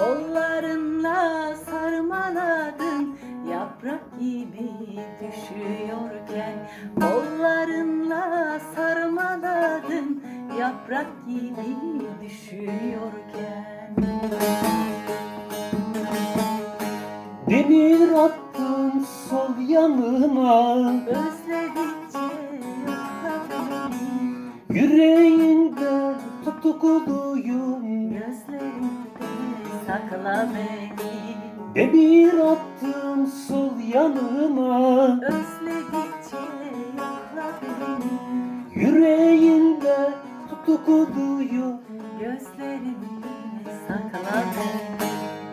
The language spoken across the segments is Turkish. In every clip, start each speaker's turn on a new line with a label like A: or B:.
A: Kollarınla sarmaladın, yaprak gibi düşüyorken. Kollarınla sarmaladın, yaprak gibi düşüyorken.
B: Demir attım sol yanına,
A: Özledikçe yokla beni,
B: yüreğinde tutukluyum.
A: gözlerinde sakla beni.
B: Demir attım sol yanına,
A: Özledikçe yokla beni,
B: yüreğinde tutukluyum.
A: gözlerinde sakla beni.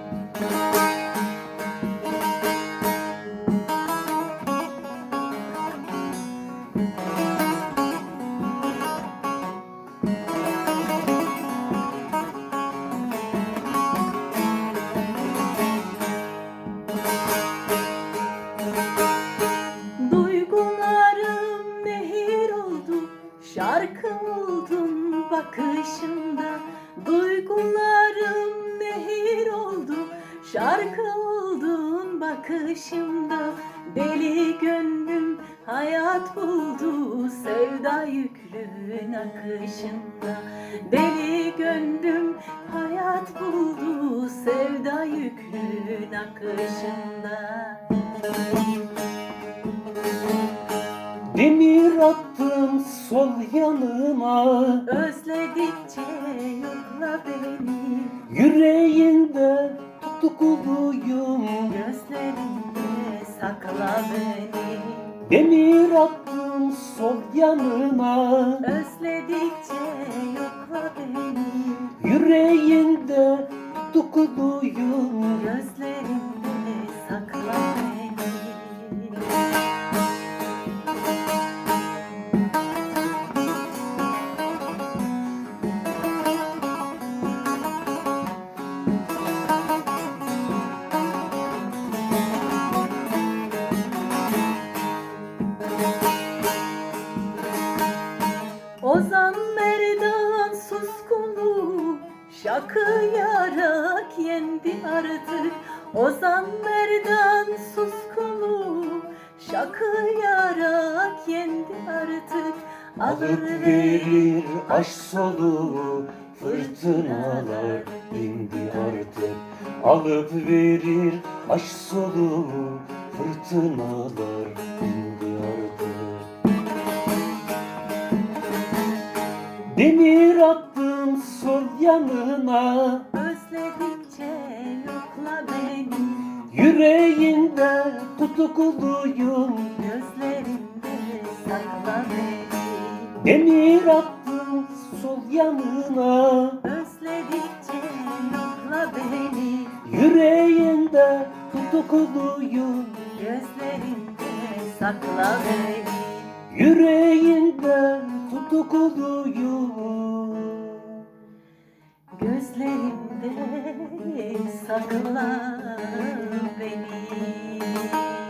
A: Duygularım nehir oldu, şarkı oldum bakışında. Duygularım nehir oldu, şarkı oldum bakışımda. Deli gönlüm hayat buldu, sevda yüklü nakışında. Deli gönlüm hayat buldu, sevda yüklü nakışında.
B: Demir attım sol yanıma,
A: Özledikçe yokla beni,
B: yüreğinde tutukluyum.
A: gözlerinde sakla beni.
B: Demir attım sol yanıma,
A: Özledikçe yokla beni,
B: yüreğinde tutukluyum.
A: gözlerinde sakla beni. Ozan Merdan suskunluğu şakıyarak yendi artık. Ozan Merdan suskunluğu şakıyarak yendi artık.
B: Alıp verir aşk soluğu, fırtınalar indi artık. Alıp verir aşk soluğu, fırtınalar indi artık. Demir attım sol yanına,
A: Özledikçe yokla beni,
B: yüreğinde tutukluyum.
A: gözlerinde sakla beni.
B: Demir attım sol yanına,
A: Özledikçe yokla beni,
B: yüreğinde tutukluyum.
A: gözlerinde sakla beni.
B: Yüreğinde tutukluyum.
A: Gözlerinde sakla beni.